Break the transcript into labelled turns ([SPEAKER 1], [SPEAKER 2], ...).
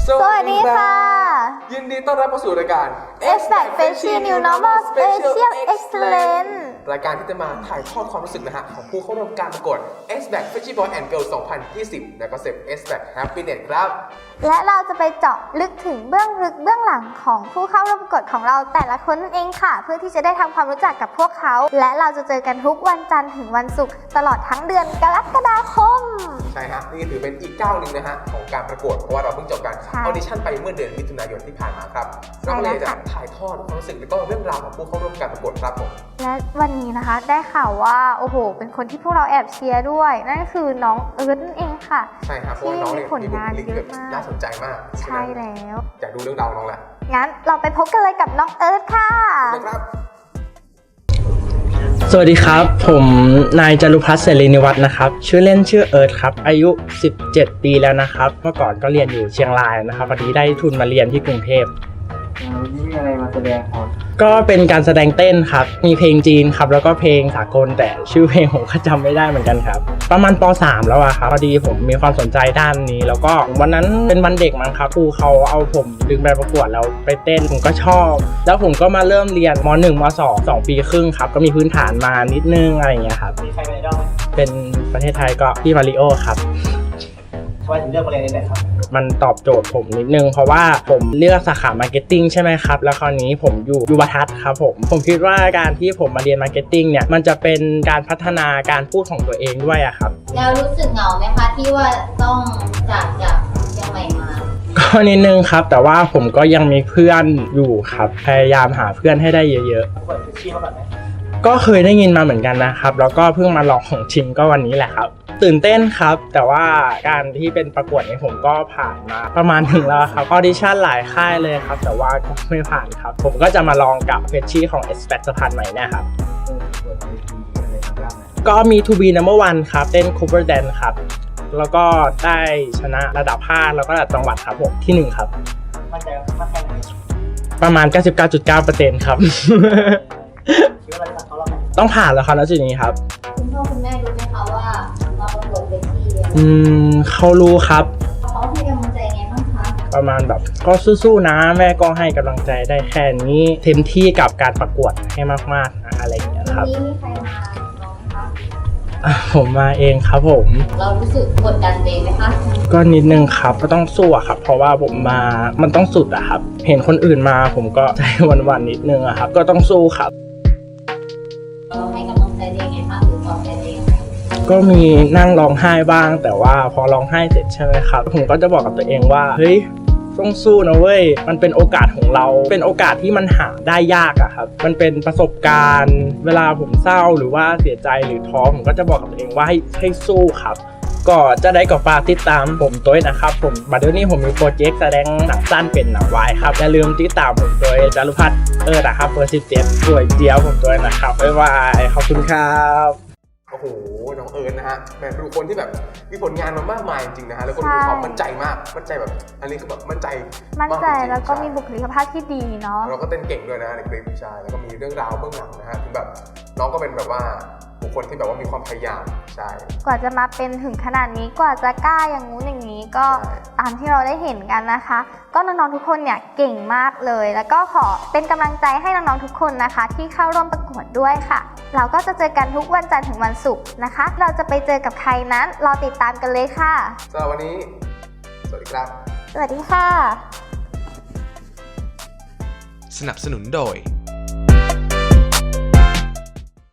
[SPEAKER 1] สวัสดีค่ะยินดีต้อนรับเข้าสู่รายการ
[SPEAKER 2] Expect Freshie New Normal Special Excellence
[SPEAKER 1] รายการที่จะมาถ่ายทอดความรู้สึกนะฮะของผู้เข้าร่วมการประกวด Expect Freshie Boy and Girl 2020 ในคอนเซ็ปต์ Expect Happiness ครับ
[SPEAKER 2] และเราจะไปเจาะลึกถึงเบื้องลึกเบื้องหลังของผู้เข้าร่วมประกวดของเราแต่ละคนนั่นเองค่ะเพื่อที่จะได้ทำความรู้จักกับพวกเขาและเราจะเจอกันทุกวันจันทร์ถึงวันศุกร์ตลอดทั้งเดือนกรกฎาคม
[SPEAKER 1] ใช่ฮะนี่ถือเป็นอีกก้าวหนึ่งนะฮะของการประกวดเพราะว่าเราเพิ่งจบการออดิชั่นไปเมื่อเดือนมิถุนายนที่ผ่านมาครับเราเลยจะถ่ายทอดความรู้สึกและก็เรื่องราวของผู้เข้าร่วมการประกวดครับผม
[SPEAKER 2] และวันนี้นะคะได้ข่าวว่าโอ้โหเป็นคนที่พวกเราแอบเชียร์ด้วยนั่นก็คือน้องเอิร์ธนั่นเองค่ะ
[SPEAKER 1] ใช่ครับเพราะว่าน้องเนี่ยมีผลงานเยอะมากน่าสนใจมาก
[SPEAKER 2] ใช่แล้ว
[SPEAKER 1] อยากดูเรื่องราวน้องแหละ
[SPEAKER 2] งั้นเราไปพบกันเลยกับน้องเอิร์ธค่ะ
[SPEAKER 3] สวัสดีครับผมนายจารุพัฒน์เสรีนิวัฒน์นะครับชื่อเล่นชื่อเอิร์ธครับอายุ17 ปีแล้วนะครับเมื่อก่อนก็เรียนอยู่เชียงรายนะครับวันนี้ได้ทุนมาเรียนที่กรุงเทพ
[SPEAKER 4] วันนี้มีอะไรมาแสดงครับ
[SPEAKER 3] ก็เป็นการแสดงเต้นครับมีเพลงจีนครับแล้วก็เพลงสากลแต่ชื่อเพลงผมก็จำไม่ได้เหมือนกันครับประมาณป.3 แล้วอะครับพอดีผมมีความสนใจด้านนี้แล้วก็วันนั้นเป็นวันเด็กมั้งครับครูเขาเอาผมดึงไปประกวดแล้วไปเต้นผมก็ชอบแล้วผมก็มาเริ่มเรียนม.1 ม.2 ปีครึ่งครับก็มีพื้นฐานมานิดนึงอะไรอย่างเงี้ยครับ
[SPEAKER 4] มีใครเป็นไอดอลไหม
[SPEAKER 3] เป็นประเทศไทยก็พี่มาริโอครับ
[SPEAKER 4] ทำไมถึงเลือกมาเรียนนี่ครับ
[SPEAKER 3] มันตอบโจทย์ผมนิดนึงเพราะว่าผมเลือกสาขามาร์เก็ตติ้งใช่ไหมครับแล้วคราวนี้ผมอยู่ยุวทัศน์ครับผมคิดว่าการที่ผมมาเรียนมาร์เก็ตติ้งเนี่ยมันจะเป็นการพัฒนาการพูดของตัวเองด้วยอะครับ
[SPEAKER 5] แล้วรู้สึกเหงาไหมคะที่ว่าต้องจากเชียงใหม่มา
[SPEAKER 3] ก็นิดนึงครับแต่ว่าผมก็ยังมีเพื่อนอยู่ครับพยายามหาเพื่อนให้ได้เยอะ
[SPEAKER 4] ๆเปิดชื่อเขาแบบไหน
[SPEAKER 3] ก็เคยได้ยินมาเหมือนกันนะครับแล้วก็เพิ่งมาลองของจริงก็วันนี้แหละครับตื่นเต้นครับแต่ว่าการที่เป็นประกวดนี้ผมก็ผ่านมาประมาณหนึ่งแล้วครับออดิชั่นหลายค่ายเลยครับแต่ว่าก็ไม่ผ่านครับผมก็จะมาลองกับเฟชชี่ของ Expect สะพานใหม่เนี่ยครับก็มี To Be Number One ครับเต้น Cover Dance ครับแล้วก็ได้ชนะระดับภาคแล้วก็ระดับจังหวัดครับผมที่1ครับ
[SPEAKER 4] มั่นใจว่าแค่ไหน
[SPEAKER 3] ประมาณ 99.9% ครับต้องผ่านแล้วครับณจุดนี้ครับ
[SPEAKER 5] คุณพ่อคุณแม่รู้ไหมคะว่าเราประกวดเวที
[SPEAKER 3] เขารู้ครับ
[SPEAKER 5] เขาให้กำลังใจไงบ้างคะ
[SPEAKER 3] ประมาณแบบก็สู้ๆนะแม่ก็ให้กำลังใจได้แค่นี้เต็มที่กับการประกวดให้มากๆนะอะไรอย่างเงี้ยครับ
[SPEAKER 5] วันนี้มีใครมาน้องคะ
[SPEAKER 3] ผมมาเองครับผม
[SPEAKER 5] เรารู้สึกกดดันเองไหมคะ
[SPEAKER 3] ก็นิดนึงครับก็ต้องสู้อะครับเพราะว่าผมมามันต้องสุดอะครับเห็นคนอื่นมาผมก็ใจวันๆนิดนึงอะครับก็ต้องสู้ครับ
[SPEAKER 5] เราให้กำลังใจเองไงคะหรือปลอบใจเอง
[SPEAKER 3] ก็มีนั่งร้องไห้บ้างแต่ว่าพอร้องไห้เสร็จใช่ไหมครับผมก็จะบอกกับตัวเองว่าเฮ้ยต้องสู้นะเว้ยมันเป็นโอกาสของเราเป็นโอกาสที่มันหาได้ยากอะครับมันเป็นประสบการณ์เวลาผมเศร้าหรือว่าเสียใจหรือท้อผมก็จะบอกกับตัวเองว่าให้สู้ครับก็จะได้กับฝากติดตามผมด้วยนะครับผมบัดเดี๋ยวนี้ผมมีโปรเจกต์แสดงหนังสั้นเป็นหนังวายครับอย่าลืมติดตามผมด้วยจารุพัฒน์นะครับเบอร์17สวยเจี๊ยบผมด้วยนะครับบ๊ายบายขอบคุณครับ
[SPEAKER 1] โอ้โหน้องเอิร์ธนะฮะแบบเป็นคนที่แบบมีผลงานมามากมายจริงๆนะฮะแล้วก็มีความมั่นใจมากมั่นใจแบบอันนี้คือแบบมั่นใจ
[SPEAKER 2] แล้วก็มีบุคลิกภาพที่ดีเนาะ
[SPEAKER 1] เราก็เต้นเก่งด้วยนะในคลิปใช่แล้วก็มีเรื่องราวเบื้องหลังนะฮะคือแบบน้องก็เป็นแบบว่าบุคคลที่แบบว่ามีความพยายามใช่
[SPEAKER 2] กว่าจะมาเป็นถึงขนาดนี้กว่าจะกล้าอย่างงู้นอย่างนี้ก็ตามที่เราได้เห็นกันนะคะก็น้องๆทุกคนเนี่ยเก่งมากเลยแล้วก็ขอเป็นกำลังใจให้น้องๆทุกคนนะคะที่เข้าร่วมประกวดด้วยค่ะเราก็จะเจอกันทุกวันจันทร์ถึงวันศุกร์นะคะเราจะไปเจอกับใครนั้นรอติดตามกันเลยค่ะ
[SPEAKER 1] สำหรับวันนี้สวัสดีครับ
[SPEAKER 2] สวัสดีค่ะ
[SPEAKER 6] สนับสนุนโดย